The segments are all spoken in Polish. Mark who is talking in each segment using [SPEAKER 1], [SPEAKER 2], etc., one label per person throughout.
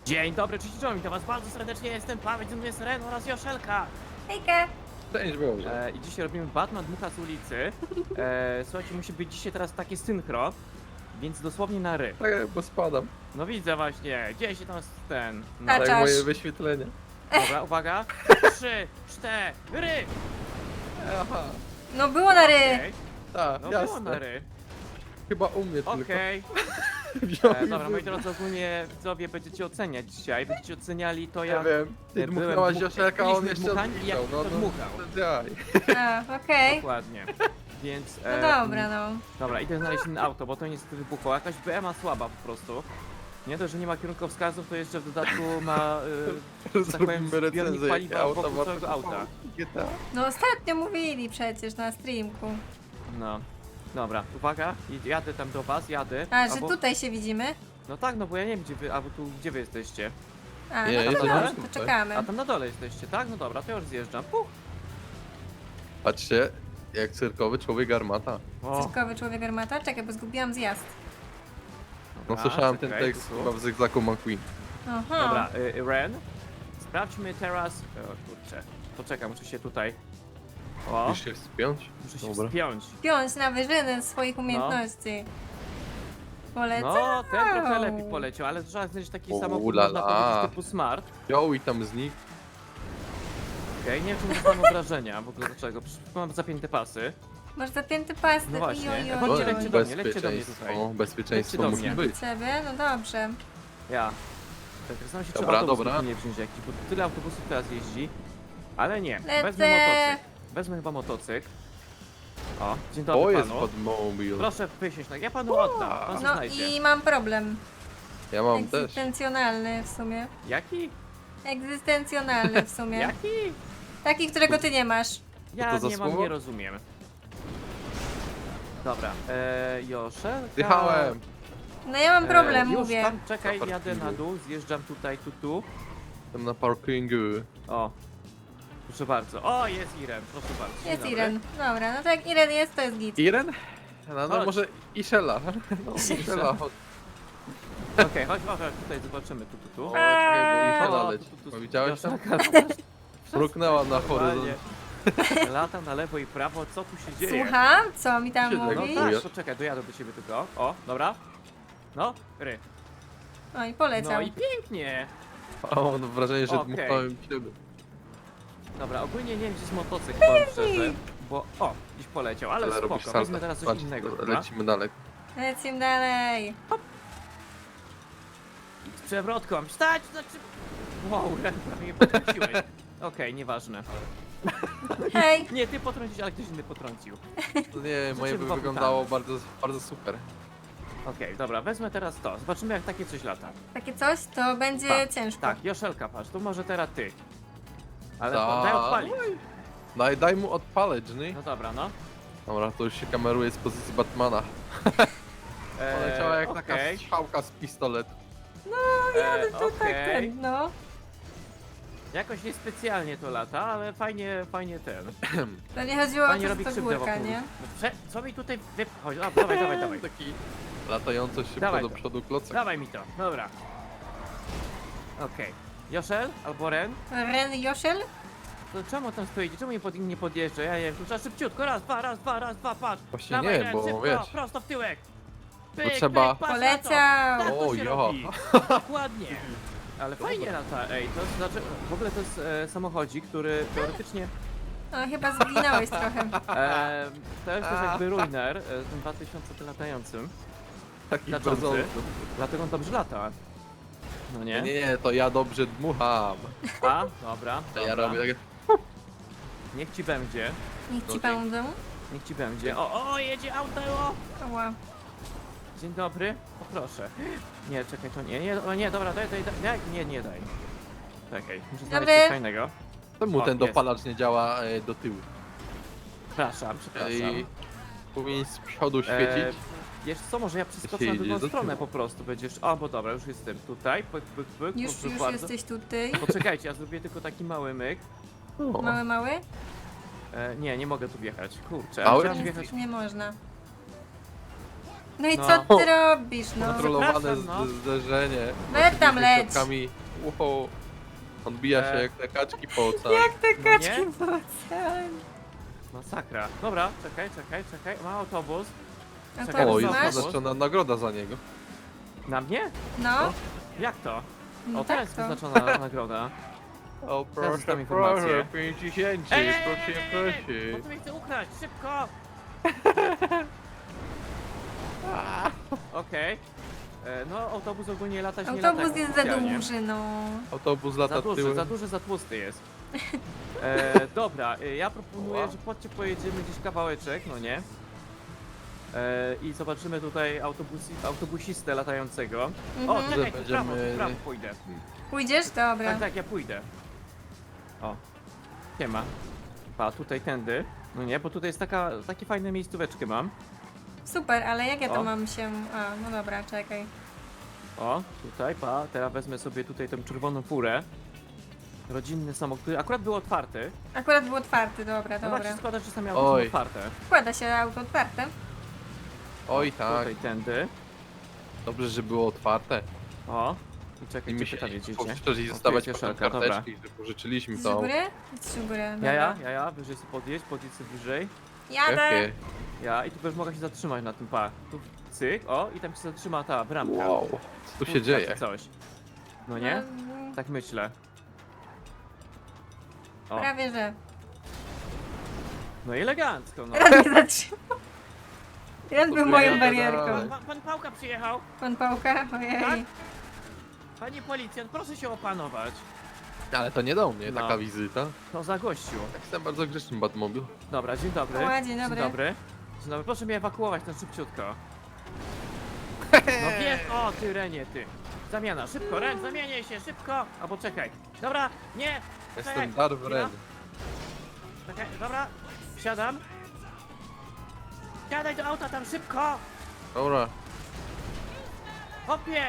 [SPEAKER 1] Dzień dobry, cześć, witam was bardzo serdecznie, jestem Paweł, ze mną jest Ren oraz Joszelka.
[SPEAKER 2] Hejka!
[SPEAKER 3] Cześć, Boże.
[SPEAKER 1] I dzisiaj robimy Batman Dmucha z ulicy. Słuchajcie, musi być dzisiaj teraz takie synchro, więc dosłownie na ry.
[SPEAKER 3] Tak, bo spadam.
[SPEAKER 1] No widzę właśnie, gdzie się tam ten... No.
[SPEAKER 2] A
[SPEAKER 3] Tak,
[SPEAKER 2] czasz.
[SPEAKER 3] moje wyświetlenie.
[SPEAKER 1] Dobra, uwaga. 3, 4,
[SPEAKER 3] Aha,
[SPEAKER 2] No było na ry!
[SPEAKER 1] okej.
[SPEAKER 3] tak,
[SPEAKER 1] No było
[SPEAKER 3] jasne.
[SPEAKER 1] na ry.
[SPEAKER 3] Chyba u mnie tylko.
[SPEAKER 1] Okej.
[SPEAKER 3] Wziął i
[SPEAKER 1] Dobra, moi
[SPEAKER 3] wybrał.
[SPEAKER 1] drodzy, ogólnie widzowie będziecie oceniać dzisiaj, będziecie oceniali to
[SPEAKER 3] Nie
[SPEAKER 1] jak...
[SPEAKER 3] wiem, ty
[SPEAKER 1] byłem
[SPEAKER 3] dmuchnęłaś
[SPEAKER 1] dmuch-
[SPEAKER 3] Joszelka, a on
[SPEAKER 1] byliśmy
[SPEAKER 3] jeszcze
[SPEAKER 1] dmuchani i jak
[SPEAKER 3] odpisał.
[SPEAKER 1] to
[SPEAKER 3] No,
[SPEAKER 1] dmuchał.
[SPEAKER 3] Jaj.
[SPEAKER 2] A, okej.
[SPEAKER 1] Dokładnie. Więc...
[SPEAKER 2] No dobra, no.
[SPEAKER 1] Dobra, idę znaleźć inne auto, bo to niestety wybuchło. Jakaś BMA słaba po prostu. Nie dość, że nie ma kierunkowskazów, to jeszcze w dodatku ma, że tak powiem,
[SPEAKER 3] Zrobimy
[SPEAKER 1] zbiornik
[SPEAKER 3] recenzję,
[SPEAKER 1] paliwa
[SPEAKER 3] jakie auta
[SPEAKER 1] wokół
[SPEAKER 3] warto
[SPEAKER 1] całego auta.
[SPEAKER 3] kupować. GTA.
[SPEAKER 2] No ostatnio mówili przecież na streamku.
[SPEAKER 1] No. Dobra, uwaga, jadę tam do was, jadę.
[SPEAKER 2] A, że
[SPEAKER 1] Albo-
[SPEAKER 2] tutaj się widzimy?
[SPEAKER 1] No tak, no bo ja nie wiem gdzie wy, albo tu gdzie wy jesteście.
[SPEAKER 2] A,
[SPEAKER 3] Nie,
[SPEAKER 2] no to
[SPEAKER 3] jestem
[SPEAKER 2] dobrze,
[SPEAKER 3] tutaj.
[SPEAKER 2] to czekamy.
[SPEAKER 1] A tam na dole jesteście, tak? No dobra, to ja już zjeżdżam. Puch.
[SPEAKER 3] Patrzcie, jak cyrkowy człowiek armata.
[SPEAKER 1] O,
[SPEAKER 2] Cyrkowy człowiek armata? Czekaj, bo zgubiłam zjazd.
[SPEAKER 3] No
[SPEAKER 1] dobra,
[SPEAKER 3] słyszałem ten
[SPEAKER 1] czekaj,
[SPEAKER 3] tekst
[SPEAKER 1] tu.
[SPEAKER 3] chyba w Zygzaku McQueen.
[SPEAKER 2] Aha.
[SPEAKER 1] Dobra, Ren, sprawdźmy teraz... O kurczę, poczekaj, muszę się tutaj... O,
[SPEAKER 3] Musisz się wspiąć?
[SPEAKER 1] muszę się
[SPEAKER 3] Dobra.
[SPEAKER 1] wspiąć.
[SPEAKER 2] Piąć na wyżyny swoich umiejętności. Polecam.
[SPEAKER 1] No, ten trochę lepiej poleciał, ale trzeba znaleźć taki
[SPEAKER 3] O,
[SPEAKER 1] samochód,
[SPEAKER 3] ulala.
[SPEAKER 1] można powiedzieć, typu smart.
[SPEAKER 3] Wziął i tam znikł.
[SPEAKER 1] Okej, nie wiem, czy nie mam obrażenia, w ogóle dlaczego. Mam zapięte pasy.
[SPEAKER 2] Masz zapięty pasy.
[SPEAKER 1] No właśnie.
[SPEAKER 2] Oj,
[SPEAKER 1] Chodźcie,
[SPEAKER 2] oj,
[SPEAKER 1] lećcie
[SPEAKER 2] oj.
[SPEAKER 1] do mnie, lećcie do mnie tutaj.
[SPEAKER 3] Bezpieczeństwo
[SPEAKER 1] do
[SPEAKER 3] musi
[SPEAKER 1] mnie.
[SPEAKER 3] być.
[SPEAKER 2] Ciebie? No dobrze.
[SPEAKER 1] Ja. Tak, zastanawiam się, czy
[SPEAKER 3] Dobra,
[SPEAKER 1] autobus
[SPEAKER 3] dobra.
[SPEAKER 1] nie wziąć jakiś, bo tyle autobusów teraz jeździ. Ale nie,
[SPEAKER 2] Lecę.
[SPEAKER 1] wezmę motocykl. Wezmę chyba motocykl. O, dzień dobry
[SPEAKER 3] To jest
[SPEAKER 1] panu.
[SPEAKER 3] podmobil.
[SPEAKER 1] Proszę wysiąść, tak, ja panu oddam, pan co
[SPEAKER 2] No
[SPEAKER 1] znajdzie.
[SPEAKER 2] i mam problem.
[SPEAKER 3] Ja mam też.
[SPEAKER 2] Egzystencjonalny w sumie.
[SPEAKER 1] Jaki?
[SPEAKER 2] Egzystencjonalny w sumie.
[SPEAKER 1] Jaki?
[SPEAKER 2] Taki, którego ty nie masz.
[SPEAKER 1] Ja
[SPEAKER 3] to za
[SPEAKER 1] nie mam,
[SPEAKER 3] słowo?
[SPEAKER 1] nie rozumiem. Dobra, Joszelka...
[SPEAKER 3] Zjechałem.
[SPEAKER 2] No ja mam problem,
[SPEAKER 1] już
[SPEAKER 2] mówię.
[SPEAKER 1] Tam, czekaj,
[SPEAKER 3] Na
[SPEAKER 1] jadę na
[SPEAKER 3] parkingu.
[SPEAKER 1] dół, zjeżdżam tutaj, tu.
[SPEAKER 3] Tam na parkingu.
[SPEAKER 1] O, proszę bardzo. O, jest Irem, proszę bardzo. Dzień
[SPEAKER 2] Jest
[SPEAKER 1] dobry.
[SPEAKER 2] Iren. Dobra, no to jak Iren jest, to jest git.
[SPEAKER 3] Iren? No,
[SPEAKER 1] Chodź.
[SPEAKER 3] może Ishela. No, Ishela, chodź.
[SPEAKER 1] Okej, chodź, tutaj zobaczymy, tu.
[SPEAKER 3] O, czekaj, bo Ishela
[SPEAKER 1] O,
[SPEAKER 3] leci.
[SPEAKER 1] tu,
[SPEAKER 3] No, widziałeś tam?
[SPEAKER 1] Joszelka,
[SPEAKER 3] Mruknęła na horyzont.
[SPEAKER 1] normalnie. Lata na lewo i prawo, co tu się dzieje?
[SPEAKER 2] Słucham? Co mi tam
[SPEAKER 3] Siedzę,
[SPEAKER 1] No
[SPEAKER 2] mówi?
[SPEAKER 1] tak,
[SPEAKER 3] Czujesz?
[SPEAKER 1] poczekaj, dojadę do ciebie tylko. O, dobra. No, ry.
[SPEAKER 2] Oj, poleciał.
[SPEAKER 1] No i pięknie.
[SPEAKER 3] A mam wrażenie, że
[SPEAKER 1] Okej.
[SPEAKER 3] dmuchnąłem ciebie.
[SPEAKER 1] Dobra, ogólnie nie wiem, gdzie jest motocykl, powiem szczerze. Bo, o, gdzieś poleciał, ale
[SPEAKER 3] Ale robisz
[SPEAKER 1] spoko,
[SPEAKER 3] salto.
[SPEAKER 1] weźmy teraz coś
[SPEAKER 3] Patrz,
[SPEAKER 1] innego.
[SPEAKER 3] dobra,
[SPEAKER 1] chyba.
[SPEAKER 3] lecimy dalej.
[SPEAKER 2] Lecimy dalej.
[SPEAKER 1] Z przewrotką. Stać! Znaczy... Wow, prawie mnie potrąciłeś. Okej, nieważne.
[SPEAKER 2] Hej.
[SPEAKER 1] Nie, ty potrąciłeś, ale ktoś inny potrącił.
[SPEAKER 3] No nie, moje by
[SPEAKER 1] wokół
[SPEAKER 3] wyglądało bardzo, bardzo super.
[SPEAKER 1] Okej, dobra, wezmę teraz to. Zobaczymy, jak takie coś lata.
[SPEAKER 2] Takie coś, to będzie
[SPEAKER 1] Tak,
[SPEAKER 2] ciężko.
[SPEAKER 1] Tak, Joszelka, patrz, to może teraz ty. Ale
[SPEAKER 3] Tak.
[SPEAKER 1] daj odpalić.
[SPEAKER 3] Daj mu odpaleć, nie?
[SPEAKER 1] No dobra, no.
[SPEAKER 3] Dobra, to już się kameruje z pozycji Batmana. Poleciała jak taka
[SPEAKER 1] okej.
[SPEAKER 3] strzałka z pistoletu.
[SPEAKER 2] To tak
[SPEAKER 1] okej.
[SPEAKER 2] ten, no.
[SPEAKER 1] Jakoś niespecjalnie to lata, ale fajnie ten.
[SPEAKER 2] To nie chodziło o
[SPEAKER 1] Fajnie
[SPEAKER 2] to,
[SPEAKER 1] robi
[SPEAKER 2] że to
[SPEAKER 1] krzywdę
[SPEAKER 2] górka,
[SPEAKER 1] wokół.
[SPEAKER 2] nie?
[SPEAKER 1] No, co mi tutaj wypchodzi? Dawaj.
[SPEAKER 3] Taki latająco szybko
[SPEAKER 1] Dawaj
[SPEAKER 3] do
[SPEAKER 1] to.
[SPEAKER 3] przodu klocek.
[SPEAKER 1] Dawaj mi to, dobra. Okej. Joszel albo Ren?
[SPEAKER 2] Ren Joszel?
[SPEAKER 1] To czemu tam stoicie? Czemu nie podjeżdża? Ja nie wiem, tu trzeba szybciutko, raz, dwa, patrz.
[SPEAKER 3] Właśnie
[SPEAKER 1] Dawaj,
[SPEAKER 3] nie,
[SPEAKER 1] Ren,
[SPEAKER 3] bo
[SPEAKER 1] szybko,
[SPEAKER 3] wiesz.
[SPEAKER 1] prosto w tyłek. Pyk,
[SPEAKER 3] trzeba-
[SPEAKER 1] patrz na to.
[SPEAKER 2] Poleciał.
[SPEAKER 1] Tak to
[SPEAKER 3] O,
[SPEAKER 1] się
[SPEAKER 3] jo.
[SPEAKER 1] robi. Dokładnie. Ale fajnie lata, ej, to znaczy, w ogóle to jest samochodzik, który teoretycznie,
[SPEAKER 2] No chyba zginąłeś trochę.
[SPEAKER 1] to jest też jakby Ruiner, tym 2000 latającym,
[SPEAKER 3] Taki
[SPEAKER 1] Znaczący.
[SPEAKER 3] brzdący.
[SPEAKER 1] dlatego on dobrze lata. No nie?
[SPEAKER 3] Nie, to ja dobrze dmucham.
[SPEAKER 1] A, dobra,
[SPEAKER 3] To ja
[SPEAKER 1] dobra.
[SPEAKER 3] robię takie...
[SPEAKER 1] Niech ci będzie,
[SPEAKER 2] Niech ci
[SPEAKER 3] Okej.
[SPEAKER 2] pomogę.
[SPEAKER 1] niech ci będzie. O, jedzie auto, o!
[SPEAKER 2] Ała.
[SPEAKER 1] Dzień dobry, poproszę. Nie, czekaj, to nie, o nie, dobra, daj, nie daj. Czekaj, muszę znaleźć
[SPEAKER 2] Dobry.
[SPEAKER 1] coś fajnego.
[SPEAKER 3] Czemu
[SPEAKER 1] O,
[SPEAKER 3] ten
[SPEAKER 1] jest.
[SPEAKER 3] dopalacz nie działa do tyłu?
[SPEAKER 1] Przepraszam.
[SPEAKER 3] I powinien z przodu świecić.
[SPEAKER 1] Wiesz co, może ja przeskoczę
[SPEAKER 3] Się
[SPEAKER 1] na
[SPEAKER 3] idzie
[SPEAKER 1] drugą
[SPEAKER 3] do
[SPEAKER 1] stronę
[SPEAKER 3] tyłu.
[SPEAKER 1] po prostu, będziesz... O, bo dobra, już jestem tutaj, pyk,
[SPEAKER 2] Już
[SPEAKER 1] proszę bardzo.
[SPEAKER 2] jesteś tutaj.
[SPEAKER 1] Poczekajcie, ja zrobię tylko taki mały myk.
[SPEAKER 3] O,
[SPEAKER 2] Mały?
[SPEAKER 1] Nie mogę tu wjechać, kurczę.
[SPEAKER 3] Mały?
[SPEAKER 1] Chciałem
[SPEAKER 2] Nie,
[SPEAKER 1] wjechać...
[SPEAKER 2] nie można. No i
[SPEAKER 1] No.
[SPEAKER 2] co ty robisz, no?
[SPEAKER 3] Kontrolowane
[SPEAKER 1] przepraszam, no.
[SPEAKER 3] zderzenie.
[SPEAKER 2] Leć tam, leć.
[SPEAKER 3] Środkami. Wow. Odbija się jak te kaczki po oceanie.
[SPEAKER 2] Jak te
[SPEAKER 1] No
[SPEAKER 2] kaczki
[SPEAKER 1] nie?
[SPEAKER 2] w oceanie.
[SPEAKER 1] Masakra. Dobra, czekaj. Ma autobus.
[SPEAKER 2] A
[SPEAKER 1] Czekaj,
[SPEAKER 2] to
[SPEAKER 3] O,
[SPEAKER 1] Autobus
[SPEAKER 3] jest
[SPEAKER 2] masz?
[SPEAKER 1] masz?
[SPEAKER 3] wyznaczona nagroda za niego.
[SPEAKER 1] Na mnie?
[SPEAKER 2] No,
[SPEAKER 1] Jak to?
[SPEAKER 2] no
[SPEAKER 1] O,
[SPEAKER 2] tak
[SPEAKER 1] teraz
[SPEAKER 2] to.
[SPEAKER 1] wyznaczona nagroda.
[SPEAKER 3] O,
[SPEAKER 1] Teraz
[SPEAKER 3] proszę,
[SPEAKER 1] tam informację.
[SPEAKER 3] proszę, 50, proszę.
[SPEAKER 1] Bo tu mnie chce ukraść, szybko! Okej. No, autobus ogólnie latać nie lata.
[SPEAKER 2] Autobus
[SPEAKER 1] jak
[SPEAKER 2] jest za
[SPEAKER 1] oficjalnie.
[SPEAKER 2] duży, no.
[SPEAKER 3] Autobus lata tyłem.
[SPEAKER 1] Za duży, za tłusty jest. Dobra, ja proponuję,
[SPEAKER 3] Wow.
[SPEAKER 1] że chodźcie pojedziemy gdzieś kawałeczek, no nie? I zobaczymy tutaj autobusistę latającego. O,
[SPEAKER 2] Mhm.
[SPEAKER 1] czekaj, tu
[SPEAKER 3] Będziemy-
[SPEAKER 1] w prawo pójdę.
[SPEAKER 2] Pójdziesz? Dobra.
[SPEAKER 1] Tak, ja pójdę. O, siema. Pa, tutaj tędy. No nie, bo tutaj jest takie fajne miejscóweczkę mam.
[SPEAKER 2] Super, ale jak ja to
[SPEAKER 1] O.
[SPEAKER 2] mam się... A, no dobra, czekaj.
[SPEAKER 1] O, tutaj, pa, teraz wezmę sobie tutaj tę czerwoną furę. Rodzinny samochód, który akurat był otwarty.
[SPEAKER 2] Akurat był otwarty, dobra,
[SPEAKER 1] No tak się
[SPEAKER 2] dobra.
[SPEAKER 1] składa, że same auto są
[SPEAKER 3] Oj.
[SPEAKER 1] otwarte.
[SPEAKER 2] Wkłada się auto otwarte.
[SPEAKER 3] Oj tak,
[SPEAKER 1] Tutaj tędy.
[SPEAKER 3] dobrze, że było otwarte.
[SPEAKER 1] O, i czekaj,
[SPEAKER 3] I
[SPEAKER 1] gdzie
[SPEAKER 3] my
[SPEAKER 1] pyta
[SPEAKER 3] się
[SPEAKER 1] widzicie?
[SPEAKER 3] powstrzeli
[SPEAKER 1] O,
[SPEAKER 3] zostawać
[SPEAKER 1] tu jest
[SPEAKER 3] potem
[SPEAKER 1] Joszelka, dobra.
[SPEAKER 3] karteczki, że pożyczyliśmy
[SPEAKER 2] Z
[SPEAKER 3] to.
[SPEAKER 2] góry? Z góry, dobra.
[SPEAKER 1] Ja, wyżej sobie podjedź sobie wyżej.
[SPEAKER 2] Jadę!
[SPEAKER 3] Jakie?
[SPEAKER 1] Ja, i tu będziesz mogła się zatrzymać na tym pa. Tu cyk, o, i tam się zatrzyma ta bramka.
[SPEAKER 3] Wow, co tu się
[SPEAKER 1] Takie
[SPEAKER 3] dzieje?
[SPEAKER 1] coś. No nie?
[SPEAKER 2] No,
[SPEAKER 1] Tak myślę. O,
[SPEAKER 2] prawie że.
[SPEAKER 1] no i elegancko, no.
[SPEAKER 2] Raz mnie zatrzymał. Raz był
[SPEAKER 3] Podbiegaj
[SPEAKER 2] moją
[SPEAKER 3] dalej.
[SPEAKER 2] barierką.
[SPEAKER 1] Pan Pałka przyjechał.
[SPEAKER 2] Pan Pałka?
[SPEAKER 1] Tak?
[SPEAKER 2] Ojej.
[SPEAKER 1] Panie policjant, proszę się opanować.
[SPEAKER 3] Ale to nie do mnie
[SPEAKER 1] No.
[SPEAKER 3] taka wizyta.
[SPEAKER 1] To za gościu.
[SPEAKER 3] Jestem bardzo grzeczny Batmobil.
[SPEAKER 1] Dobra, dzień dobry.
[SPEAKER 2] O, dzień dobry.
[SPEAKER 1] Dzień dobry. Dzień dobry, proszę mnie ewakuować na szybciutko. No wiesz, o ty Renie, ty. Zamiana, szybko, Ren, zamieniaj się, szybko. Albo czekaj. Dobra, nie.
[SPEAKER 3] Jestem
[SPEAKER 1] czekaj,
[SPEAKER 3] Darth
[SPEAKER 1] chwila.
[SPEAKER 3] Ren.
[SPEAKER 1] Czekaj, dobra, wsiadam. Siadaj do auta tam szybko.
[SPEAKER 3] Dobra,
[SPEAKER 1] Hopie.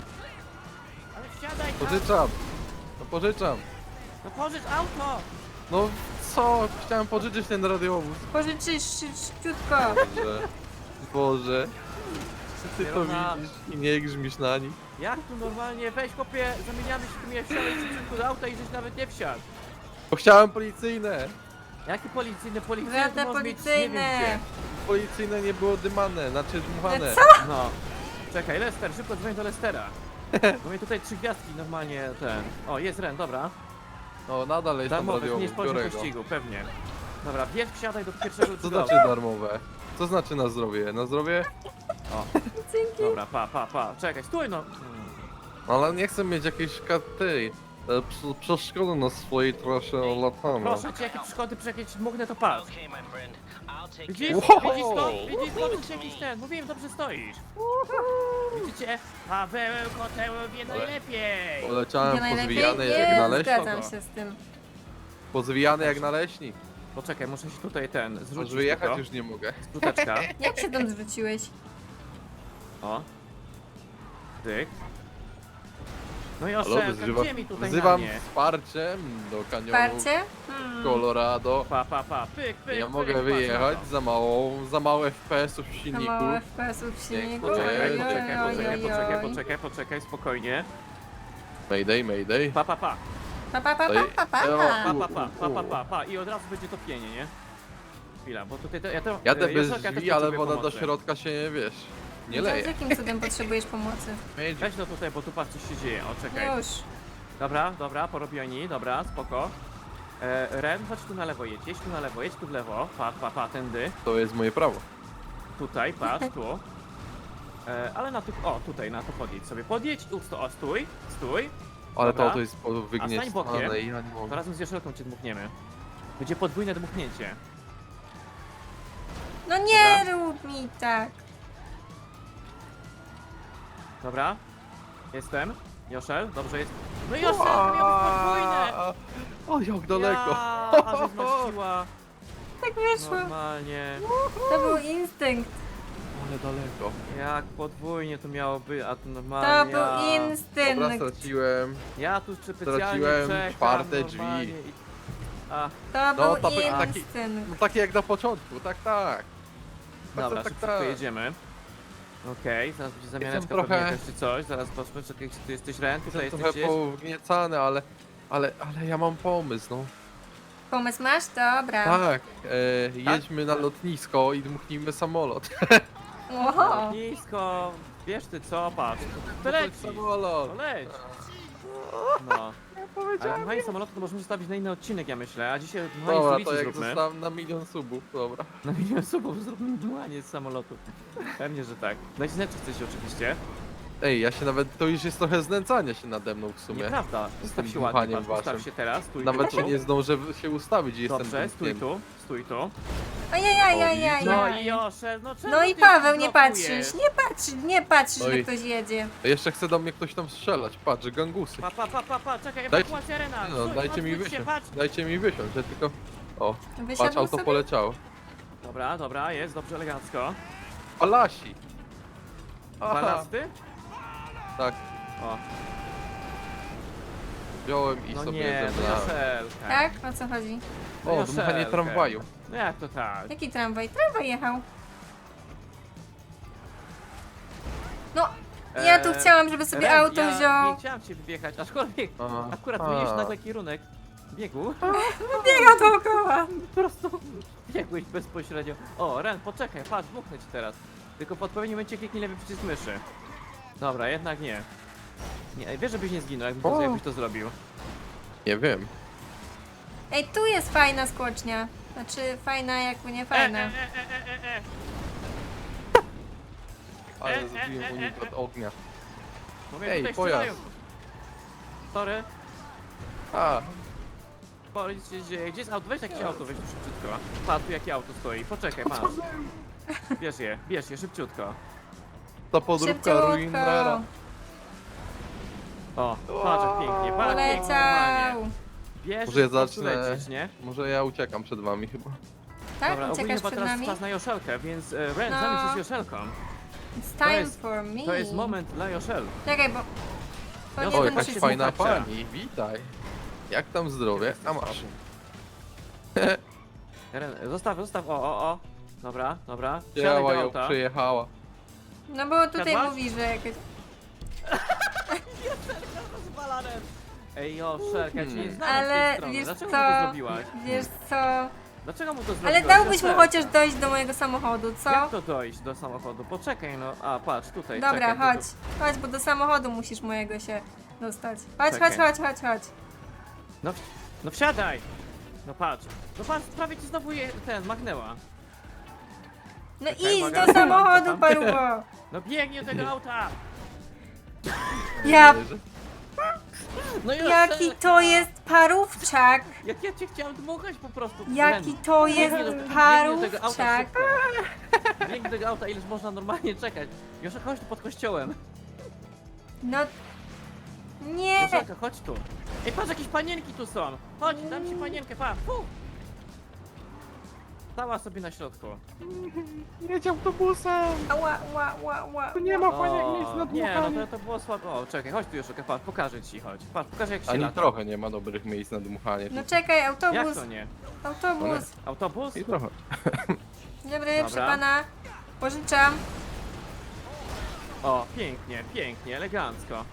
[SPEAKER 1] Ale wsiadaj tam.
[SPEAKER 3] pożyczam. No pożyczam.
[SPEAKER 1] No pożycz auto.
[SPEAKER 3] No co? Chciałem pożyczyć ten radiowóz.
[SPEAKER 2] Pożyczysz szybciutko.
[SPEAKER 3] Boże. Boże. Czy ty to
[SPEAKER 1] Kierowna.
[SPEAKER 3] widzisz i nie grzmisz na nich?
[SPEAKER 1] Jak tu normalnie, weź hopie, zamieniamy się, tu mnie wsiadaj szybciutko do auta i żeś nawet nie wsiadł.
[SPEAKER 3] Bo chciałem policyjne.
[SPEAKER 1] Jakie policyjne,
[SPEAKER 2] Żadne
[SPEAKER 1] to może mieć nie
[SPEAKER 2] policyjne.
[SPEAKER 1] wiem
[SPEAKER 3] Policyjne nie było dymane, znaczy dmuchane.
[SPEAKER 2] Co?
[SPEAKER 1] gdzie. No. Czekaj, Lester, szybko dzwoń do Lestera. Bo mnie tutaj 3 gwiazdki normalnie ten... O, jest Ren, dobra.
[SPEAKER 3] No nadal jest tam
[SPEAKER 1] Darmowe,
[SPEAKER 3] radiowóz,
[SPEAKER 1] zmniejsz poziom
[SPEAKER 3] biorę go.
[SPEAKER 1] pościgu, pewnie. Dobra, bierz, wsiadaj do pierwszego
[SPEAKER 3] Co
[SPEAKER 1] tego
[SPEAKER 3] znaczy
[SPEAKER 1] auta.
[SPEAKER 3] darmowe? Co znaczy na zdrowie? Na zdrowie?
[SPEAKER 1] O,
[SPEAKER 2] Dzięki.
[SPEAKER 1] dobra, pa. Czekaj, stój no.
[SPEAKER 3] Ale nie chcę mieć jakiejś karty. Przeszkody na swojej trasie latania.
[SPEAKER 1] Proszę cię, jakie przeszkody, jakieś mógłnę to patrz.
[SPEAKER 4] Okay, my friend. I'll take
[SPEAKER 1] Widzisz?
[SPEAKER 4] care of
[SPEAKER 3] Wow.
[SPEAKER 1] Widzisz to? Widzisz, zobaczysz jakiś ten. Mówiłem, dobrze stoisz. Widzicie? Paweł Koteł wie najlepiej.
[SPEAKER 3] Poleciałem
[SPEAKER 2] Ja najlepiej
[SPEAKER 3] pozwijany jak
[SPEAKER 2] nie
[SPEAKER 3] naleśnik.
[SPEAKER 2] zgadzam się z tym.
[SPEAKER 3] Pozwijany jak naleśnik.
[SPEAKER 1] Poczekaj, muszę się tutaj ten
[SPEAKER 3] Już
[SPEAKER 1] zrzucić
[SPEAKER 3] wyjechać
[SPEAKER 1] tylko.
[SPEAKER 3] już nie mogę.
[SPEAKER 1] Skuteczka.
[SPEAKER 2] Jak się tam zwróciłeś?
[SPEAKER 1] O. Tyk. No i
[SPEAKER 3] Halo,
[SPEAKER 1] Oszelka, gdzie mi tutaj
[SPEAKER 3] wzywam
[SPEAKER 1] na mnie?
[SPEAKER 3] wsparciem do kanionu
[SPEAKER 2] Wsparcie?
[SPEAKER 3] Colorado.
[SPEAKER 1] Pa. Pyk,
[SPEAKER 3] Ja mogę
[SPEAKER 1] patrz
[SPEAKER 3] wyjechać
[SPEAKER 1] na to.
[SPEAKER 3] za mało FPS-ów w
[SPEAKER 2] Za
[SPEAKER 3] silniku.
[SPEAKER 2] mało FPS-ów w silniku.
[SPEAKER 1] Poczekaj,
[SPEAKER 2] Oj, oj, oj, oj.
[SPEAKER 1] poczekaj, spokojnie.
[SPEAKER 3] Mayday.
[SPEAKER 2] Pa, pa, pa, pa, pa, pa, pa.
[SPEAKER 1] Pa. I od razu będzie topienie, nie? Chwila, bo tutaj ja to...
[SPEAKER 3] Jadę bez
[SPEAKER 1] Joszelka też
[SPEAKER 3] drzwi, ale
[SPEAKER 1] potrzebuje
[SPEAKER 3] woda do
[SPEAKER 1] pomocy.
[SPEAKER 3] środka się nie wiesz. Nie
[SPEAKER 2] No, Z
[SPEAKER 3] leje.
[SPEAKER 2] jakim cudem potrzebujesz pomocy?
[SPEAKER 1] Weź no tutaj, bo tu patrz co się dzieje, o czekaj.
[SPEAKER 2] Już.
[SPEAKER 1] Dobra, porobioni, dobra, spoko. Ren, chodź tu na lewo jedź tu na lewo, jedź tu w lewo, pa, tędy.
[SPEAKER 3] To jest moje prawo.
[SPEAKER 1] Tutaj, patrz, tu. Ale na tych, o, tutaj, na to podjedź, stój.
[SPEAKER 3] Ale
[SPEAKER 1] Dobra.
[SPEAKER 3] to jest
[SPEAKER 1] A stań
[SPEAKER 3] wygniecane
[SPEAKER 1] bokiem.
[SPEAKER 3] i ja nie
[SPEAKER 1] To
[SPEAKER 3] mogę.
[SPEAKER 1] razem z Joszelką cię dmuchniemy. Będzie podwójne dmuchnięcie.
[SPEAKER 2] No nie rób mi tak.
[SPEAKER 1] Dobra? Jestem. Joszel, dobrze jest. No Joszelka miał być podwójne!
[SPEAKER 3] O, jak daleko.
[SPEAKER 1] Ja, a żeś zmaściła.
[SPEAKER 2] Tak wyszło.
[SPEAKER 1] Normalnie.
[SPEAKER 2] To był instynkt.
[SPEAKER 3] Ale daleko.
[SPEAKER 1] Jak podwójnie to miało być, a to
[SPEAKER 2] To
[SPEAKER 1] normalnie.
[SPEAKER 2] był
[SPEAKER 3] Dobra,
[SPEAKER 2] instynkt.
[SPEAKER 3] straciłem.
[SPEAKER 1] Ja tu specjalnie
[SPEAKER 3] Straciłem
[SPEAKER 1] czekam,
[SPEAKER 3] czwarte drzwi.
[SPEAKER 1] normalnie A,
[SPEAKER 2] To
[SPEAKER 3] No,
[SPEAKER 2] był
[SPEAKER 3] to taki-
[SPEAKER 2] instynkt.
[SPEAKER 3] No takie jak na początku, tak.
[SPEAKER 1] dobra, szybko jedziemy. Okej, zaraz będzie zamianeczka
[SPEAKER 3] trochę-
[SPEAKER 1] pewnie jakaś czy coś, zaraz patrzmy, czekaj, czy ty jesteś Ren, tutaj
[SPEAKER 3] Jestem
[SPEAKER 1] jesteś
[SPEAKER 3] trochę
[SPEAKER 1] gdzieś.
[SPEAKER 3] powgniecany, ale ja mam pomysł, no.
[SPEAKER 2] Pomysł masz? Dobra.
[SPEAKER 3] Tak, jedźmy na lotnisko i dmuchnijmy samolot.
[SPEAKER 2] Oho.
[SPEAKER 1] Nisko, wiesz ty co, patrz, to leci,
[SPEAKER 3] Samolot.
[SPEAKER 1] to leć. No. Ale dmuchanie samolotu to możemy zostawić na inny odcinek, ja myślę, a dzisiaj dmuchanie
[SPEAKER 3] Dobra,
[SPEAKER 1] stolicy
[SPEAKER 3] to jak
[SPEAKER 1] zróbmy.
[SPEAKER 3] zostałem na 1 000 000 subów, dobra.
[SPEAKER 1] Na milion subów zróbmy dmuchanie z samolotu. Pewnie, że tak. Dajcie znać, czy chcecie oczywiście.
[SPEAKER 3] Ej, ja się nawet, to już jest trochę znęcania się nade mną w sumie.
[SPEAKER 1] Nieprawda, ustaw się
[SPEAKER 3] dmuchaniem
[SPEAKER 1] ładnie, patrz, ustaw
[SPEAKER 3] waszym.
[SPEAKER 1] się teraz, stój
[SPEAKER 3] Nawet
[SPEAKER 1] tu.
[SPEAKER 3] się nie zdążę się ustawić i
[SPEAKER 1] Dobrze,
[SPEAKER 3] jestem
[SPEAKER 1] stój tu, stój tu.
[SPEAKER 2] Ajajajajaj.
[SPEAKER 1] No i Josze, no czemu
[SPEAKER 2] No i
[SPEAKER 1] ty
[SPEAKER 2] Paweł, nie
[SPEAKER 1] blokujesz?
[SPEAKER 2] patrzysz, nie patrzysz,
[SPEAKER 3] Oj.
[SPEAKER 2] że ktoś jedzie.
[SPEAKER 3] Jeszcze chce do mnie ktoś tam strzelać, patrz, gangusy.
[SPEAKER 1] Pa, czekaj,
[SPEAKER 3] Dajcie-
[SPEAKER 1] ewakuacja Rena.
[SPEAKER 3] No,
[SPEAKER 1] Stój,
[SPEAKER 3] dajcie mi
[SPEAKER 1] odwróć się,
[SPEAKER 3] wysiąść,
[SPEAKER 1] patrz.
[SPEAKER 3] dajcie mi wysiąść, ja tylko... O, patrz,
[SPEAKER 2] Wysiadł
[SPEAKER 3] auto
[SPEAKER 2] sobie?
[SPEAKER 3] poleciało.
[SPEAKER 1] Dobra, jest, dobrze, elegancko.
[SPEAKER 3] Palasi! Aha,
[SPEAKER 1] Balasty?
[SPEAKER 3] tak,
[SPEAKER 1] O,
[SPEAKER 3] wziąłem i
[SPEAKER 1] no
[SPEAKER 3] sobie
[SPEAKER 1] nie, no
[SPEAKER 3] zebrałem.
[SPEAKER 1] Joszelka.
[SPEAKER 2] Tak? O co chodzi?
[SPEAKER 1] No
[SPEAKER 3] O,
[SPEAKER 1] Joszelka.
[SPEAKER 3] dmuchanie tramwaju.
[SPEAKER 1] No jak to tak?
[SPEAKER 2] Jaki tramwaj? Tramwaj jechał. No, ja tu chciałam, żeby sobie
[SPEAKER 1] Ren,
[SPEAKER 2] auto
[SPEAKER 1] ja
[SPEAKER 2] wziął.
[SPEAKER 1] nie chciałam cię wyjechać, aczkolwiek
[SPEAKER 3] Aha.
[SPEAKER 1] akurat zmieniłeś nagle kierunek biegu.
[SPEAKER 2] Biega dookoła.
[SPEAKER 1] Po prostu biegłeś bezpośrednio. O, Ren, poczekaj, patrz, dmuchnę ci teraz. Tylko w odpowiednim momencie kliknij lewy przycisk myszy. Dobra, jednak nie. Nie, wiesz, żebyś nie zginął,
[SPEAKER 3] O.
[SPEAKER 1] jakbyś to zrobił.
[SPEAKER 3] Nie wiem.
[SPEAKER 2] Ej, tu jest fajna skocznia. Znaczy, fajna jakby nie fajna.
[SPEAKER 3] Ale zrobiłem unik od ognia.
[SPEAKER 1] Mówię,
[SPEAKER 3] Ej,
[SPEAKER 1] tutaj
[SPEAKER 3] pojazd.
[SPEAKER 1] strzelają. Sorry,
[SPEAKER 3] A,
[SPEAKER 1] powiedz się dzieje. Gdzie jest auto? Weź jakieś auto, weź tu szybciutko. Patrz, tu jakie auto stoi. Poczekaj, masz. Bierz je, szybciutko.
[SPEAKER 3] ta podróbka Ruinera.
[SPEAKER 1] O, patrz jak pięknie, patrz jak pięknie normalnie.
[SPEAKER 2] Poleciał.
[SPEAKER 1] Bierz
[SPEAKER 3] Może ja
[SPEAKER 1] i po prostu
[SPEAKER 3] zacznę-
[SPEAKER 1] lecisz, nie?
[SPEAKER 3] Może ja uciekam przed wami chyba.
[SPEAKER 2] Tak?
[SPEAKER 1] Dobra, ogólnie
[SPEAKER 2] Uciekasz
[SPEAKER 1] chyba
[SPEAKER 2] przed
[SPEAKER 1] teraz
[SPEAKER 2] nami?
[SPEAKER 1] czas na Joszelkę, więc Ren,
[SPEAKER 2] No.
[SPEAKER 1] zamień się z Joszelką.
[SPEAKER 2] It's
[SPEAKER 1] To
[SPEAKER 2] time
[SPEAKER 1] jest-
[SPEAKER 2] for me.
[SPEAKER 1] To jest moment dla Joszel.
[SPEAKER 2] Czekaj, bo... To
[SPEAKER 1] O,
[SPEAKER 2] nie
[SPEAKER 3] O,
[SPEAKER 2] ten
[SPEAKER 3] jakaś
[SPEAKER 2] przycisk.
[SPEAKER 3] fajna
[SPEAKER 1] słuchacza.
[SPEAKER 3] pani, witaj. Jak tam zdrowie? A masz.
[SPEAKER 1] Ren, zostaw, o. Dobra. Siadaj
[SPEAKER 3] Działa
[SPEAKER 1] do
[SPEAKER 3] ją
[SPEAKER 1] auta.
[SPEAKER 3] przyjechała.
[SPEAKER 2] No bo tutaj
[SPEAKER 1] Siadłaś?
[SPEAKER 2] mówi, że jakieś...
[SPEAKER 1] Rozwala Ren. Ej Joszelka, ja cię nie znam z
[SPEAKER 2] Ale
[SPEAKER 1] tej strony.
[SPEAKER 2] wiesz
[SPEAKER 1] Dlaczego
[SPEAKER 2] co?
[SPEAKER 1] mu to zrobiłaś?
[SPEAKER 2] Wiesz co?
[SPEAKER 1] Dlaczego mu to zrobiłaś?
[SPEAKER 2] Ale dałbyś mu
[SPEAKER 1] Joszelka?
[SPEAKER 2] chociaż dojść do mojego samochodu, co?
[SPEAKER 1] Jak to dojść do samochodu? Poczekaj no. A, patrz, tutaj,
[SPEAKER 2] Dobra,
[SPEAKER 1] czekaj.
[SPEAKER 2] chodź. Chodź, bo do samochodu musisz mojego się dostać. Chodź,
[SPEAKER 1] Czekaj.
[SPEAKER 2] chodź.
[SPEAKER 1] No wsiadaj! No patrz, prawie ci znowu machnęła.
[SPEAKER 2] No
[SPEAKER 1] Czekaj,
[SPEAKER 2] idź
[SPEAKER 1] uwaga.
[SPEAKER 2] do samochodu,
[SPEAKER 1] Tam.
[SPEAKER 2] parubo.
[SPEAKER 1] No biegnie do tego auta!
[SPEAKER 2] Ja...
[SPEAKER 1] No
[SPEAKER 2] Jaki to jest parówczak.
[SPEAKER 1] Jak ja cię chciałem dmuchać po prostu.
[SPEAKER 2] Jaki to jest
[SPEAKER 1] Biegnie do tego
[SPEAKER 2] parówczak.
[SPEAKER 1] szybko. Biegnie do tego auta, ileż można normalnie czekać. Josza, chodź tu pod kościołem.
[SPEAKER 2] No... Nie.
[SPEAKER 1] Joszelka, chodź tu. Ej, patrz, jakieś panienki tu są. Chodź, dam ci panienkę, pa. Fu. Stała sobie na środku.
[SPEAKER 3] Jedź autobusem!
[SPEAKER 2] Ła.
[SPEAKER 3] Tu nie ma
[SPEAKER 1] O,
[SPEAKER 3] miejsc na
[SPEAKER 1] nie, no
[SPEAKER 3] dmuchanie.
[SPEAKER 1] to było słabo. O, czekaj, chodź tu Joszelka, patrz, pokażę ci, chodź. Patrz, pokażę jak się
[SPEAKER 3] Ani
[SPEAKER 1] lata.
[SPEAKER 3] trochę nie ma dobrych miejsc na dmuchanie.
[SPEAKER 2] No czekaj,
[SPEAKER 1] Jak
[SPEAKER 2] autobus.
[SPEAKER 1] to nie?
[SPEAKER 2] Autobus.
[SPEAKER 1] Autobus?
[SPEAKER 3] I trochę.
[SPEAKER 2] Dobry, proszę
[SPEAKER 1] Dobra.
[SPEAKER 2] pana. Pożyczam.
[SPEAKER 1] O, pięknie, elegancko.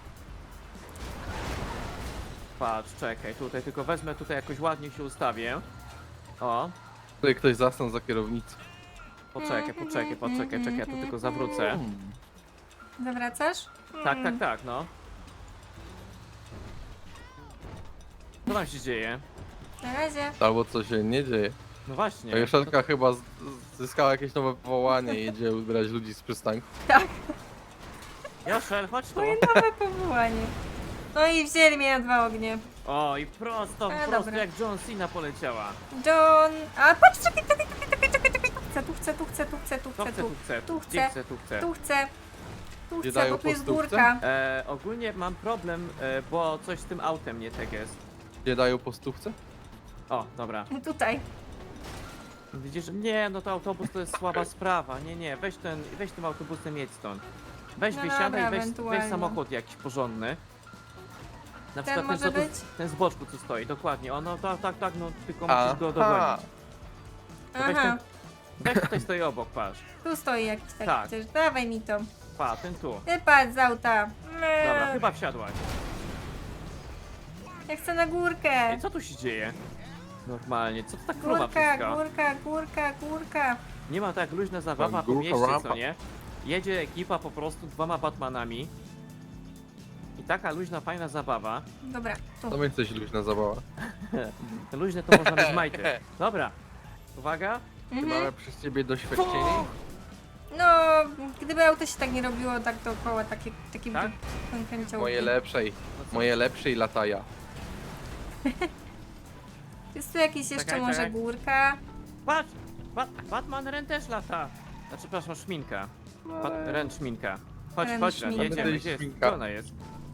[SPEAKER 1] Patrz, czekaj, tutaj tylko wezmę, tutaj jakoś ładnie się ustawię. O,
[SPEAKER 3] Tutaj ktoś zasnął za kierownicą.
[SPEAKER 1] poczekaj, ja tu tylko zawrócę.
[SPEAKER 2] Zawracasz?
[SPEAKER 1] Tak, no. Co tam się dzieje?
[SPEAKER 2] Na razie.
[SPEAKER 3] Albo co się nie dzieje.
[SPEAKER 1] No właśnie.
[SPEAKER 3] A Joszelka chyba zyskała jakieś nowe powołanie i jedzie ubierać ludzi z przystanku.
[SPEAKER 1] Joszel, chodź tu.
[SPEAKER 2] Moje nowe powołanie. No i wzięli mnie na 2 ognie.
[SPEAKER 1] O, i prosto
[SPEAKER 2] dobra.
[SPEAKER 1] jak John Cena poleciała.
[SPEAKER 2] John... A patrz, czekaj. Tu chcę.
[SPEAKER 1] Tu chcę.
[SPEAKER 3] Gdzie dają
[SPEAKER 2] Bo tu jest
[SPEAKER 3] postówce?
[SPEAKER 2] górka.
[SPEAKER 1] Ogólnie mam problem, bo coś z tym autem nie tak jest.
[SPEAKER 3] Gdzie dają po stówce?
[SPEAKER 1] O, dobra.
[SPEAKER 2] Tutaj.
[SPEAKER 1] Widzisz, nie, no to autobus to jest słaba sprawa. Nie, weź tym autobusem jedź stąd. Weź
[SPEAKER 2] No
[SPEAKER 1] wysiadaj,
[SPEAKER 2] dobra,
[SPEAKER 1] weź
[SPEAKER 2] ewentualnie.
[SPEAKER 1] samochód jakiś porządny. Na
[SPEAKER 2] Ten
[SPEAKER 1] przykład
[SPEAKER 2] może
[SPEAKER 1] co tu-
[SPEAKER 2] być?
[SPEAKER 1] ten z boczku co stoi, dokładnie. O, no tak, no tylko
[SPEAKER 3] Aha.
[SPEAKER 1] musisz go dogonić. To weź
[SPEAKER 2] Aha.
[SPEAKER 1] Weź tutaj stoi obok, patrz.
[SPEAKER 2] Tu stoi jakiś taki
[SPEAKER 1] Tak.
[SPEAKER 2] przecież. Dawaj mi to.
[SPEAKER 1] Pa, ten tu.
[SPEAKER 2] Wypadł z auta.
[SPEAKER 1] Dobra, chyba wsiadłaś.
[SPEAKER 2] Ja chcę na górkę.
[SPEAKER 1] Ej, co tu się dzieje? Normalnie, co to tak kluma
[SPEAKER 2] Górka,
[SPEAKER 1] wszystko?
[SPEAKER 2] górka, górka, górka.
[SPEAKER 1] Nie ma tak luźna zabawa po
[SPEAKER 3] Górka,
[SPEAKER 1] mieście,
[SPEAKER 3] rapa.
[SPEAKER 1] co nie? Jedzie ekipa po prostu 2 Batmanami. I taka luźna, fajna zabawa.
[SPEAKER 2] Dobra, tu.
[SPEAKER 3] To będzie coś luźna zabawa.
[SPEAKER 1] Luźne to można mieć majty. Dobra. Uwaga.
[SPEAKER 3] Czy
[SPEAKER 2] Mhm.
[SPEAKER 3] mamy przez ciebie doświadczenie?
[SPEAKER 2] No, gdyby auto się tak nie robiło, tak dookoła, takie
[SPEAKER 1] Tak?
[SPEAKER 2] kręciołki.
[SPEAKER 3] Moje lepszej lataja.
[SPEAKER 2] Jest tu jakieś jeszcze
[SPEAKER 1] Czekaj,
[SPEAKER 2] może
[SPEAKER 1] czekaj.
[SPEAKER 2] górka?
[SPEAKER 1] Patrz! Batman Ren też lata. Znaczy, przepraszam, szminka. Ren szminka. Chodź,
[SPEAKER 2] Ren
[SPEAKER 1] chodź, Ren,
[SPEAKER 2] szminka.
[SPEAKER 1] jedziemy. Gdzie jest?
[SPEAKER 3] Szminka.
[SPEAKER 1] Gdzie ona jest?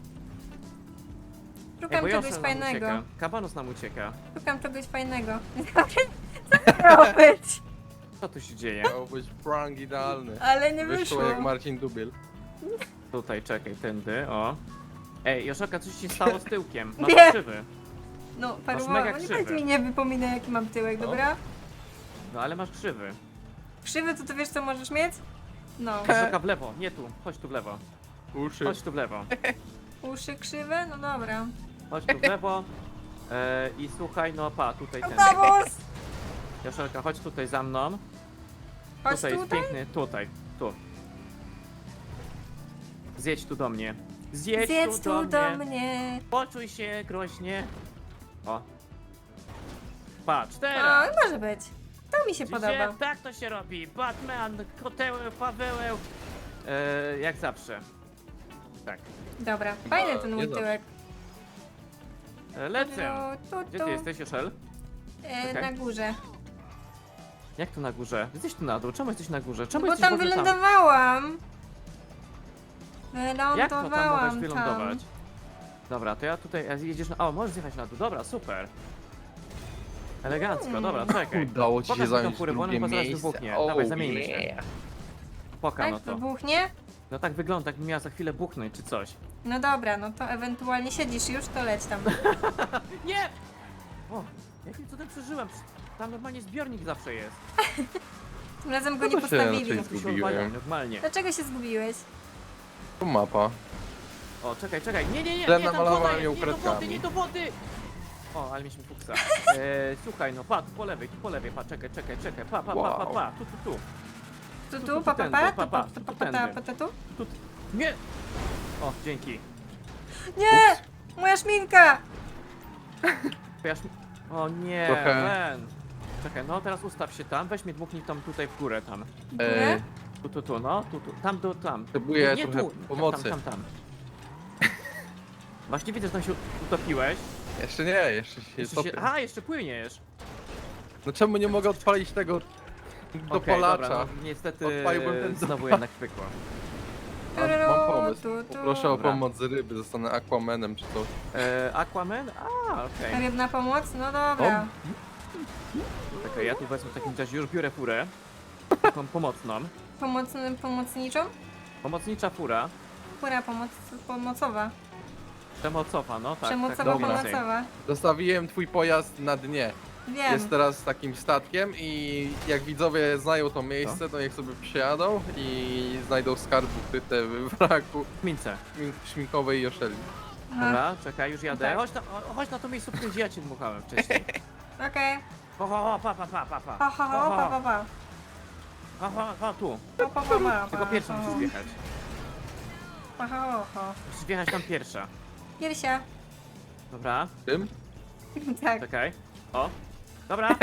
[SPEAKER 2] Szukam
[SPEAKER 1] bo
[SPEAKER 2] czegoś
[SPEAKER 1] Joszel nam
[SPEAKER 2] fajnego.
[SPEAKER 1] ucieka. Kabanus nam ucieka.
[SPEAKER 2] Szukam czegoś fajnego. Co to miało być?
[SPEAKER 1] Co tu się dzieje?
[SPEAKER 3] Miał być prank idealny.
[SPEAKER 2] Ale nie
[SPEAKER 3] Wyszło
[SPEAKER 2] wyszło.
[SPEAKER 3] jak Marcin Dubiel.
[SPEAKER 1] Tutaj, czekaj, tędy, o. Ej, Joszelka, coś ci stało z tyłkiem. Masz
[SPEAKER 2] Nie.
[SPEAKER 1] krzywy.
[SPEAKER 2] No,
[SPEAKER 1] mega
[SPEAKER 2] parowało. Nie
[SPEAKER 1] krzywy.
[SPEAKER 2] powiedz mi, nie wypominaj jaki mam tyłek,
[SPEAKER 3] No.
[SPEAKER 2] dobra?
[SPEAKER 1] No ale masz krzywy.
[SPEAKER 2] Krzywy to ty wiesz co możesz mieć? No.
[SPEAKER 1] Joszelka, w lewo, nie tu. Chodź tu w lewo.
[SPEAKER 3] Uszy.
[SPEAKER 1] Chodź tu w lewo.
[SPEAKER 2] Uszy krzywe? No dobra.
[SPEAKER 1] Chodź tu w lewo. I słuchaj, no pa, tutaj ten.
[SPEAKER 2] Autobus!
[SPEAKER 1] Joszelka, chodź tutaj za mną.
[SPEAKER 2] Chodź
[SPEAKER 1] Tutaj jest
[SPEAKER 2] tutaj.
[SPEAKER 1] piękny, tutaj, tu. Zjedź tu do mnie. Zjedź
[SPEAKER 2] Zjedz
[SPEAKER 1] tu
[SPEAKER 2] tu
[SPEAKER 1] do
[SPEAKER 2] do
[SPEAKER 1] mnie.
[SPEAKER 2] mnie.
[SPEAKER 1] Poczuj się groźnie. O. Patrz,
[SPEAKER 2] O,
[SPEAKER 1] teraz.
[SPEAKER 2] może być. To mi się
[SPEAKER 1] Widzicie?
[SPEAKER 2] podoba.
[SPEAKER 1] Tak to się robi. Batman, kotełę, Pawełę. Jak zawsze. Tak.
[SPEAKER 2] Dobra, fajny ten
[SPEAKER 3] nie
[SPEAKER 2] mój
[SPEAKER 3] zawsze.
[SPEAKER 2] tyłek.
[SPEAKER 1] Lecę.
[SPEAKER 2] Tu,
[SPEAKER 1] Gdzie ty jesteś, Joszel?
[SPEAKER 2] Na
[SPEAKER 1] Okej.
[SPEAKER 2] górze.
[SPEAKER 1] Jak tu na górze? Jesteś tu na dół. Czemu jesteś na górze? Czemu
[SPEAKER 2] Bo
[SPEAKER 1] jesteś w
[SPEAKER 2] tam
[SPEAKER 1] ogóle
[SPEAKER 2] wylądowałam.
[SPEAKER 1] Jak to tam mogłeś
[SPEAKER 2] Wylądowałam
[SPEAKER 1] wylądować? Dobra, to ja tutaj. Jedziesz na. O, możesz zjechać na dół. Dobra, super. Elegancko, dobra, czekaj.
[SPEAKER 3] Udało ci się
[SPEAKER 1] Pokaż mi tą
[SPEAKER 3] zająć
[SPEAKER 1] furę, bo ona
[SPEAKER 3] drugie
[SPEAKER 1] chyba zaraz
[SPEAKER 3] miejsce.
[SPEAKER 1] wybuchnie.
[SPEAKER 3] Oh,
[SPEAKER 1] Dawaj, zamieńmy się.
[SPEAKER 3] yeah.
[SPEAKER 1] Poka,
[SPEAKER 2] Tak,
[SPEAKER 1] no to.
[SPEAKER 2] wybuchnie?
[SPEAKER 1] No tak wygląda, jakby miała za chwilę buchnąć czy coś.
[SPEAKER 2] No dobra, no to ewentualnie siedzisz już, to leć tam.
[SPEAKER 1] Nie! O, jakim cudem przeżyłem? Tam normalnie zbiornik zawsze jest.
[SPEAKER 2] Tym razem go
[SPEAKER 3] No
[SPEAKER 2] nie
[SPEAKER 3] to się
[SPEAKER 2] postawili.
[SPEAKER 3] raczej
[SPEAKER 1] Tu się
[SPEAKER 3] Zgubiłem.
[SPEAKER 1] odwala normalnie.
[SPEAKER 2] Dlaczego się zgubiłeś?
[SPEAKER 3] Tu mapa.
[SPEAKER 1] O, czekaj, czekaj. Nie, nie, nie,
[SPEAKER 3] Źle
[SPEAKER 1] nie, tam
[SPEAKER 3] namalowałem
[SPEAKER 1] woda
[SPEAKER 3] ją
[SPEAKER 1] jest, nie do wody,
[SPEAKER 3] kredkami.
[SPEAKER 1] nie do wody! O, ale mieliśmy fuksa. Słuchaj, no pa, tu po lewej, pa, czekaj, pa,
[SPEAKER 3] Wow.
[SPEAKER 1] tu.
[SPEAKER 2] Tu, pa,
[SPEAKER 1] tędy,
[SPEAKER 2] tu.
[SPEAKER 1] Tu, nie! O, dzięki.
[SPEAKER 2] Nie! Moja szminka!
[SPEAKER 1] Pojaż... O nie,
[SPEAKER 3] Trochę-
[SPEAKER 1] Ren. Czekaj, no teraz ustaw się tam, weź mnie dmuchnij tam tutaj w górę tam.
[SPEAKER 3] E,
[SPEAKER 1] Tu, no, tu, tam.
[SPEAKER 3] Potrzebuję
[SPEAKER 1] Nie
[SPEAKER 3] trochę
[SPEAKER 1] tu,
[SPEAKER 3] pomocy.
[SPEAKER 1] Tam. Właśnie widzę, że tam się utopiłeś.
[SPEAKER 3] jeszcze nie, jeszcze się
[SPEAKER 1] Jeszcze
[SPEAKER 3] topię.
[SPEAKER 1] Aha, jeszcze płyniesz.
[SPEAKER 3] No czemu nie mogę odpalić tego do
[SPEAKER 1] Okej,
[SPEAKER 3] polacza?
[SPEAKER 1] dobra, no, niestety
[SPEAKER 3] Odpaliłbym ten
[SPEAKER 1] znowu jednak pykło.
[SPEAKER 3] Mam pomysł.
[SPEAKER 2] Tu.
[SPEAKER 3] Poproszę o
[SPEAKER 1] Dobra.
[SPEAKER 3] pomoc z ryby, zostanę Aquamanem czy coś.
[SPEAKER 1] Aquaman? Okej.
[SPEAKER 2] Rybna pomoc? No dobra.
[SPEAKER 1] Czekaj, ja tu wezmę w takim razie już biorę furę. Taką pomocną.
[SPEAKER 2] Pomocniczą?
[SPEAKER 1] Pomocnicza fura.
[SPEAKER 2] Pura pomocowa.
[SPEAKER 1] Przemocowa, no tak.
[SPEAKER 2] Przemocowa,
[SPEAKER 1] tak dobra.
[SPEAKER 2] pomocowa.
[SPEAKER 3] Zostawiłem twój pojazd na dnie.
[SPEAKER 2] Wiem.
[SPEAKER 3] Jest teraz takim statkiem i jak widzowie znają to miejsce, to niech sobie przyjadą i znajdą skarb ukryte w wraku
[SPEAKER 1] Mince.
[SPEAKER 3] śminkowej Joszeli.
[SPEAKER 2] Aha.
[SPEAKER 1] Dobra, czekaj, już jadę.
[SPEAKER 2] Tak.
[SPEAKER 1] Chodź na to miejscówkę, gdzie ja cię dmuchałem wcześniej.
[SPEAKER 2] Okej.
[SPEAKER 1] Pa.
[SPEAKER 2] Pa, pa, pa, pa.
[SPEAKER 1] Pa, tu.
[SPEAKER 2] Pa, pa, pa, pa,
[SPEAKER 1] Tylko
[SPEAKER 2] pa,
[SPEAKER 1] pierwsza
[SPEAKER 2] pa.
[SPEAKER 1] musisz wjechać.
[SPEAKER 2] Pa, pa, pa.
[SPEAKER 1] Musisz wjechać tam pierwsza.
[SPEAKER 2] Piersia.
[SPEAKER 1] Dobra,
[SPEAKER 3] Tym?
[SPEAKER 2] Tak.
[SPEAKER 1] czekaj. O, dobra.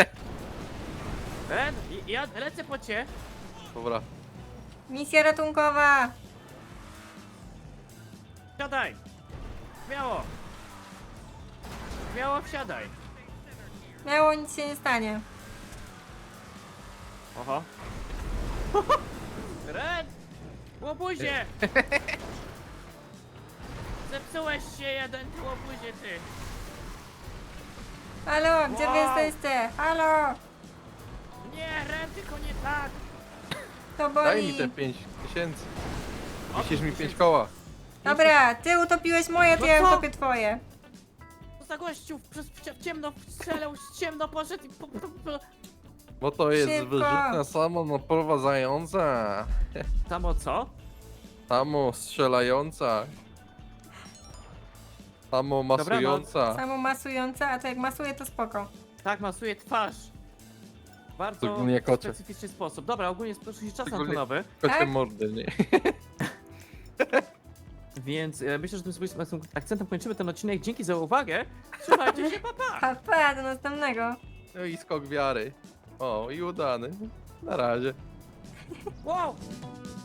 [SPEAKER 1] Ren, ja lecę po cię.
[SPEAKER 3] Dobra.
[SPEAKER 2] Misja ratunkowa.
[SPEAKER 1] Wsiadaj. Śmiało. Śmiało wsiadaj.
[SPEAKER 2] Miało nic się nie stanie.
[SPEAKER 1] Oho. Ren! Łobuzie! Zepsułeś się jeden, ty łobuzie, ty.
[SPEAKER 2] Halo, gdzie wy
[SPEAKER 1] Wow.
[SPEAKER 2] jesteście? Halo!
[SPEAKER 1] Nie, Ren, tylko nie tak.
[SPEAKER 2] To
[SPEAKER 3] Daj mi
[SPEAKER 2] boli.
[SPEAKER 3] te 5000.
[SPEAKER 1] O,
[SPEAKER 3] Wisisz mi
[SPEAKER 1] 5000.
[SPEAKER 3] 5 koła.
[SPEAKER 2] Dobra, ty utopiłeś moje, to
[SPEAKER 1] No
[SPEAKER 2] ja
[SPEAKER 1] co?
[SPEAKER 2] utopię twoje.
[SPEAKER 1] Co za gościu w ciemno strzelał, w ciemno poszedł i
[SPEAKER 3] Bo to jest
[SPEAKER 2] Szybko.
[SPEAKER 3] wyrzutnia samonaprowadzająca.
[SPEAKER 1] Samo co?
[SPEAKER 3] Samo strzelająca. Samo masująca.
[SPEAKER 2] Samo masujące, a to jak masuje to spoko.
[SPEAKER 1] Tak, masuje twarz. Bardzo
[SPEAKER 3] Szczególnie kocie.
[SPEAKER 1] specyficzny sposób. Dobra, ogólnie spieszył się czas
[SPEAKER 3] Szczególnie-
[SPEAKER 1] antenowy,
[SPEAKER 3] Kocie
[SPEAKER 2] Tak?
[SPEAKER 3] mordy, nie?
[SPEAKER 1] więc myślę, że tym swoim akcentem kończymy ten odcinek. Dzięki za uwagę. Trzymajcie się, pa, pa!
[SPEAKER 2] Pa, pa, do następnego.
[SPEAKER 3] No i skok wiary. O, i udany. Na razie.
[SPEAKER 1] Wow!